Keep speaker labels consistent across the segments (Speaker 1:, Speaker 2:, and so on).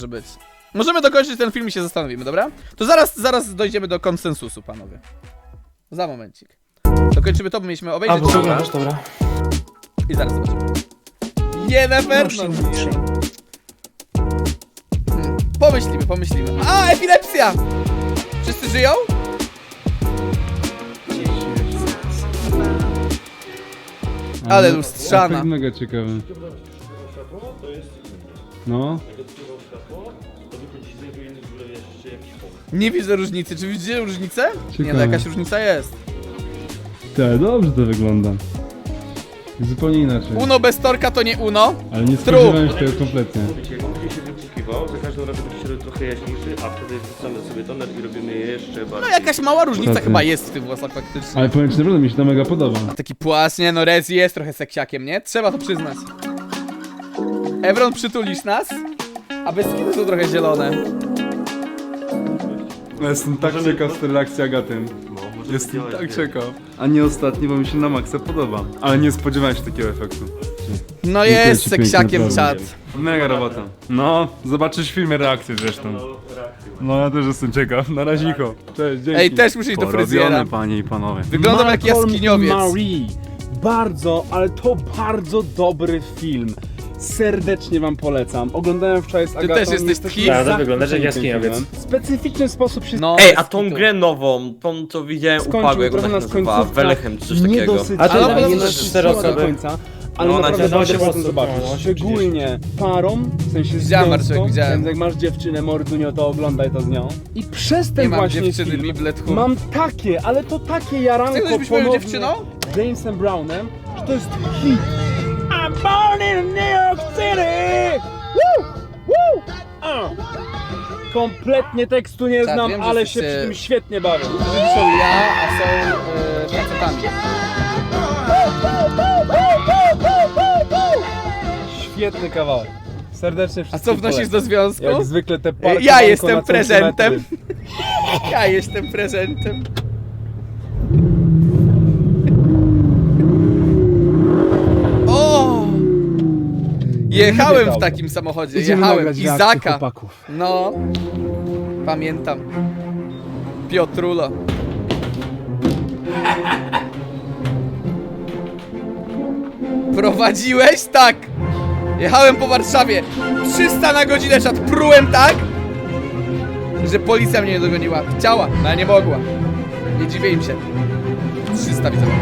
Speaker 1: być. Możemy dokończyć ten film i się zastanowimy, dobra? To zaraz dojdziemy do konsensusu, panowie. Za momencik. Dokończymy to, bo mieliśmy obejrzeć.
Speaker 2: Dobra.
Speaker 1: I zaraz zobaczymy. Jennifer! Pomyślimy. A, epilepsja! Wszyscy żyją? Ale lustrzana.
Speaker 3: To mega ciekawe. No.
Speaker 1: Nie widzę różnicy. Czy widzicie różnicę? Nie, no
Speaker 3: Ciekawe.
Speaker 1: jakaś różnica jest.
Speaker 3: Tak, dobrze to wygląda. Zupełnie inaczej.
Speaker 1: Uno bez torka to nie Uno.
Speaker 3: Ale nie
Speaker 1: Tru.
Speaker 3: spodziewałem się tego kompletnie.
Speaker 4: Wiecie, on będzie się wyczekiwał, za każdym razem będzie się robił trochę jaśniejszy, a wtedy wrzucamy sobie toner i robimy je jeszcze
Speaker 1: No
Speaker 4: bardziej.
Speaker 1: jakaś mała różnica
Speaker 3: Tacy.
Speaker 1: chyba jest w tych włosach faktycznie.
Speaker 3: Ale powiem ci, naprawdę mi się to mega podoba.
Speaker 1: Taki płaszcz, nie no, Rezi jest trochę seksiakiem, nie? Trzeba to przyznać. Evron, przytulisz nas? A bez skiny są trochę zielone.
Speaker 3: Jestem tak ciekaw z tej reakcji Agaty. Jestem tak ciekaw. A nie ostatni, bo mi się na maksa podoba. Ale nie spodziewałem się takiego efektu.
Speaker 1: No
Speaker 3: Dziękuję
Speaker 1: jest
Speaker 3: ci pięknie,
Speaker 1: seksiakiem
Speaker 3: naprawdę.
Speaker 1: czat.
Speaker 3: Mega robota. No, zobaczysz w filmie reakcję zresztą. No ja też jestem ciekaw. Na razicho. Cześć, dzięki.
Speaker 1: Ej, też muszę iść do fryzjera.
Speaker 3: Porobione, panie i panowie.
Speaker 1: Wyglądam jak jaskiniowiec.
Speaker 2: Marie. Bardzo, ale to bardzo dobry film. Serdecznie wam polecam. Oglądałem wczoraj z Agatą.
Speaker 1: też jesteś
Speaker 2: jesteśmy
Speaker 1: tki?
Speaker 4: Prawda, wyglądasz jak
Speaker 2: zachwyceni tym
Speaker 4: jaskiniowiec.
Speaker 2: filmem. W specyficzny sposób się
Speaker 1: No,
Speaker 5: Ej,
Speaker 1: bez
Speaker 5: a tą
Speaker 1: kitu.
Speaker 5: grę nową, tą co widziałem u
Speaker 2: skończył
Speaker 5: Pago, jak ona
Speaker 2: trochę
Speaker 5: się
Speaker 2: na
Speaker 5: nazywała,
Speaker 2: końcówka.
Speaker 5: Welechem czy coś takiego.
Speaker 2: Niedosyt.
Speaker 1: A to
Speaker 2: ale
Speaker 1: na
Speaker 2: nie
Speaker 1: pewno
Speaker 2: na
Speaker 5: 4
Speaker 2: do
Speaker 5: osoby.
Speaker 2: końca. Ale
Speaker 5: No,
Speaker 2: naprawdę
Speaker 5: dało się
Speaker 2: warto
Speaker 5: po prostu-
Speaker 2: zobaczyć.
Speaker 5: no,
Speaker 2: Szczególnie parą, w sensie z
Speaker 1: Widziałem,
Speaker 2: związką,
Speaker 1: Marcek, widziałem.
Speaker 2: więc jak masz dziewczynę, mordunio, to oglądaj to z nią. I przez ten
Speaker 1: Nie mam
Speaker 2: właśnie
Speaker 1: dziewczyny,
Speaker 2: film
Speaker 1: Biblet Hum.
Speaker 2: mam takie, ale to takie jaranko
Speaker 1: Chcesz być moją
Speaker 2: ponowne
Speaker 1: dziewczyną?
Speaker 2: Jamesem Brownem, że to jest hit. I'm born in New York City! Woo! Woo! Kompletnie tekstu nie
Speaker 1: Tak,
Speaker 2: znam,
Speaker 1: wiem, że
Speaker 2: ale
Speaker 1: jesteście-
Speaker 2: się przy tym świetnie bawię.
Speaker 1: Są ja, a są facetami.
Speaker 2: Świetny kawałek. Serdecznie
Speaker 1: A
Speaker 2: wszystkim
Speaker 1: co wnosisz
Speaker 2: polecam.
Speaker 1: do związku?
Speaker 2: Jak zwykle te parki
Speaker 1: Ja
Speaker 2: banko
Speaker 1: jestem
Speaker 2: na
Speaker 1: prezentem.
Speaker 2: centymetry.
Speaker 1: Ja jestem prezentem. O! Jechałem w takim samochodzie,
Speaker 2: Idziemy
Speaker 1: jechałem.
Speaker 2: nagrać reakcję
Speaker 1: Izaka.
Speaker 2: chłopaków.
Speaker 1: No. Pamiętam. Piotrulo. Prowadziłeś? Tak. Jechałem po Warszawie. 300 na godzinę, czat. Prułem tak, że policja mnie nie dogoniła. Chciała, no ale nie mogła. Nie dziwię im się. 300 widzę.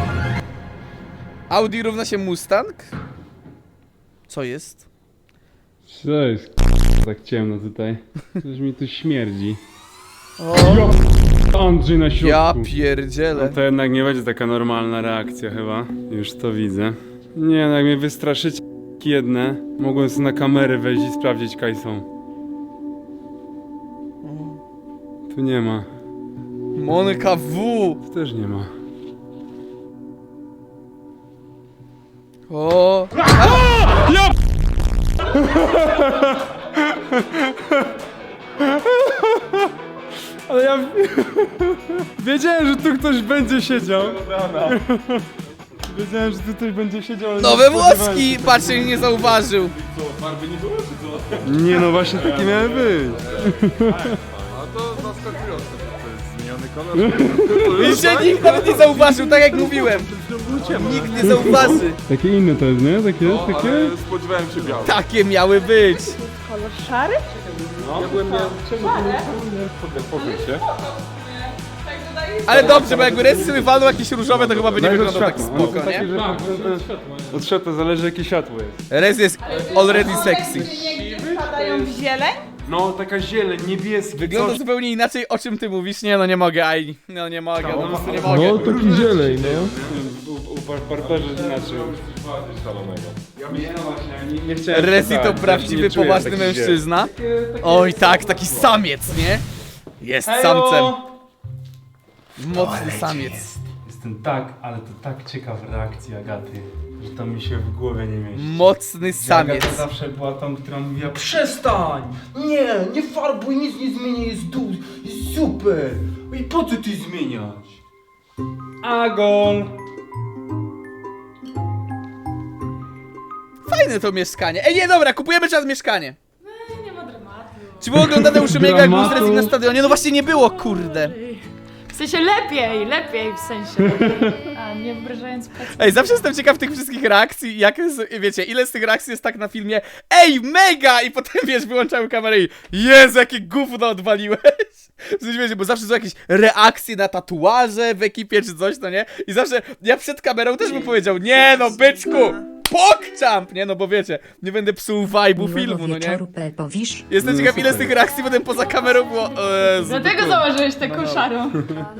Speaker 1: Audi równa się Mustang? Co jest?
Speaker 3: Cześć. Tak ciemno tutaj. Coś mi tu śmierdzi. Andrzej na środku.
Speaker 1: Ja
Speaker 3: No
Speaker 1: pierdzielę.
Speaker 3: to jednak nie będzie taka normalna reakcja chyba. Już to widzę. Nie no, jak mnie wystraszycie jedne, mogłem sobie na kamerę wejść i sprawdzić kaj są. Tu nie ma.
Speaker 1: Monika W.
Speaker 3: Tu też nie ma.
Speaker 1: O.
Speaker 3: Ale ja... Wiedziałem, że tu ktoś będzie siedział. Wiedziałem, że tu ktoś będzie siedział, ale
Speaker 1: Nowe
Speaker 3: nie spodziewałem
Speaker 1: włoski!
Speaker 3: się.
Speaker 1: Patrzcie, nie zauważył.
Speaker 3: Nie no, właśnie takie miały być.
Speaker 1: Widzicie, nikt nawet nie zauważył, tak jak mówiłem. Nikt nie zauważy.
Speaker 3: Takie inne to jest, nie? Takie, takie?
Speaker 4: Spodziewałem się białego.
Speaker 1: Takie miały być.
Speaker 6: Kolor szary?
Speaker 1: Ale dobrze, bo jakby Rez sobie walnął jakieś różowe, to chyba by nie wyglądał tak spoko, nie?
Speaker 3: Od światła zależy jakie światło jest.
Speaker 1: Rez jest already sexy.
Speaker 6: Nie wpadają w zieleń?
Speaker 3: No, taka zieleń, niebieski,
Speaker 1: Wygląda zupełnie inaczej, o czym ty mówisz. Nie no, nie mogę, aj. No nie mogę, no po prostu nie mogę.
Speaker 3: taki zieleń, no. U barbarze inaczej. Nie chciałem
Speaker 1: Rezi to
Speaker 3: przesadzać,
Speaker 1: prawdziwy,
Speaker 3: nie czuję
Speaker 1: poważny
Speaker 3: takich
Speaker 1: mężczyzna. Oj tak, taki samiec, nie? Jest samcem. Mocny samiec.
Speaker 3: Jestem tak, ale to tak ciekaw reakcji Agaty, że to mi się w głowie nie mieści.
Speaker 1: Mocny samiec.
Speaker 3: Agata zawsze była tą, która mówiła przestań! Nie farbuj, nic nie zmienię, jest super! I po co ty zmieniać? Agol!
Speaker 1: Fajne to mieszkanie. Ej, nie, dobra, kupujemy czas mieszkanie.
Speaker 6: Nie ma dramatu.
Speaker 1: Czy było oglądane u Szymiego, jak był z
Speaker 2: Dramatu.
Speaker 1: wrestling na stadionie? No właśnie nie było, kurde.
Speaker 7: W sensie lepiej w sensie. A nie obrażając pacjentów.
Speaker 1: Ej, zawsze jestem ciekaw tych wszystkich reakcji, jak jest, wiecie, ile z tych reakcji jest tak na filmie ej, mega! I potem, wiesz, wyłączają kamerę i Jezu, jakie gówno odwaliłeś! W sensie, wiecie, bo zawsze są jakieś reakcje na tatuaże w ekipie czy coś, no nie? I zawsze, ja przed kamerą też bym powiedział, nie no, byczku! PogChamp! Nie no, bo wiecie, nie będę psuł vibe'u filmu, no nie?
Speaker 8: Powisz?
Speaker 1: Jestem ciekaw, ile z tych reakcji potem poza kamerą było, Jezu,
Speaker 7: Dlatego założyłeś taką szarą.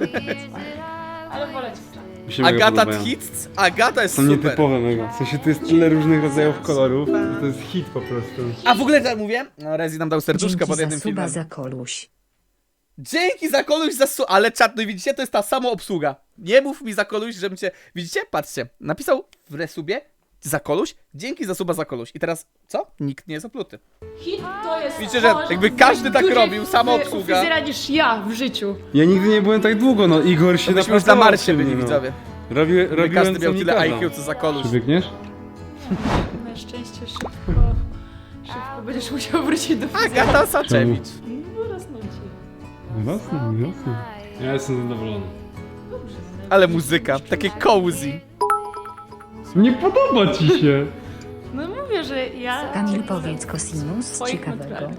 Speaker 7: Ale wolę ci
Speaker 1: Agata Hits, Agata jest
Speaker 2: Są
Speaker 1: super.
Speaker 2: nietypowe mega. W sensie tu jest tyle różnych rodzajów kolorów, że to jest hit po prostu.
Speaker 1: A w ogóle tak mówię, no Rezi nam dał serduszka
Speaker 8: Dzięki
Speaker 1: pod
Speaker 8: za
Speaker 1: jednym
Speaker 8: suba
Speaker 1: filmem.
Speaker 8: za koluś.
Speaker 1: Dzięki za koluś, ale czat, no i widzicie, to jest ta sama obsługa. Nie mów mi za koluś, żebym cię... Widzicie? Patrzcie, napisał w resubie za koluś, dzięki za suba za koluś. I teraz, co? Nikt nie jest opluty.
Speaker 7: Hit to jest
Speaker 1: Widzicie, że jakby każdy tak robił, sama obsługa.
Speaker 7: fryzjera niż ja w życiu.
Speaker 2: Ja nigdy nie byłem tak długo, no Igor się
Speaker 1: To byśmy już na
Speaker 2: napracował
Speaker 1: Marsie
Speaker 2: przy mnie,
Speaker 1: byli,
Speaker 2: no.
Speaker 1: widzowie.
Speaker 2: Robiłem
Speaker 1: Każdy
Speaker 2: co
Speaker 1: miał
Speaker 2: mi
Speaker 1: tyle
Speaker 2: kazał.
Speaker 1: IQ, co za koluś.
Speaker 2: Przybiegniesz?
Speaker 7: Na szczęście szybko będziesz musiał wrócić do
Speaker 1: Agata Saczewicz.
Speaker 7: Rosnąć ci.
Speaker 2: Jasne. Ja jestem zadowolony.
Speaker 1: Ale muzyka, takie cozy.
Speaker 2: Nie podoba ci się!
Speaker 7: No mówię, że ja...
Speaker 8: Kamil, powiedz cosinus
Speaker 7: Swoich
Speaker 8: ciekawego.
Speaker 7: naturalnych.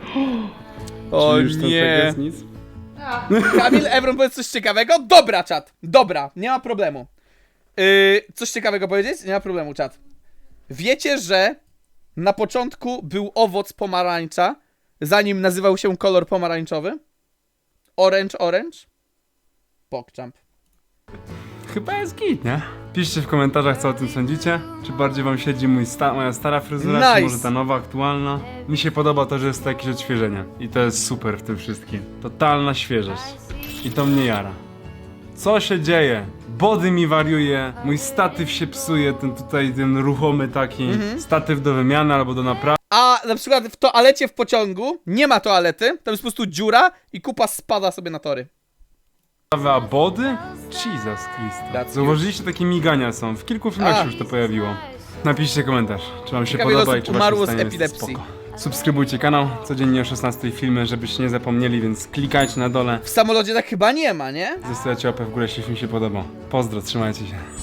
Speaker 1: O
Speaker 2: Czy już tam tak
Speaker 1: nie.
Speaker 2: jest nic?
Speaker 1: Kamil, Evron, powiedz coś ciekawego? Dobra, czat. Dobra, nie ma problemu. Coś ciekawego powiedzieć? Nie ma problemu, czat. Wiecie, że na początku był owoc pomarańcza, zanim nazywał się kolor pomarańczowy? Orange? PogChamp.
Speaker 2: Chyba jest git, nie? Piszcie w komentarzach, co o tym sądzicie. Czy bardziej wam siedzi moja stara fryzura,
Speaker 1: Nice.
Speaker 2: czy może ta nowa, aktualna? Mi się podoba to, że jest to jakieś odświeżenie. I to jest super w tym wszystkim. Totalna świeżość. I to mnie jara. Co się dzieje? Body mi wariuje, mój statyw się psuje, ten ruchomy taki. Statyw do wymiany albo do naprawy.
Speaker 1: A na przykład w toalecie w pociągu nie ma toalety, tam jest po prostu dziura i kupa spada sobie na tory.
Speaker 2: A body? Jesus Christ.
Speaker 1: That's
Speaker 2: Zauważyliście, takie migania są. W kilku filmach
Speaker 1: A.
Speaker 2: się już to pojawiło. Napiszcie komentarz, czy wam się
Speaker 1: Ciekawe,
Speaker 2: podoba
Speaker 1: ile
Speaker 2: i czy
Speaker 1: osób
Speaker 2: waszym
Speaker 1: umarło z
Speaker 2: zdaniem jest
Speaker 1: epilepsji.
Speaker 2: spoko. Subskrybujcie kanał, codziennie o 16 filmy, żebyście nie zapomnieli, więc klikajcie na dole.
Speaker 1: W samolocie tak chyba nie ma, nie?
Speaker 2: Zostawiacie łapę w górę, jeśli film się podobał. Pozdro, trzymajcie się.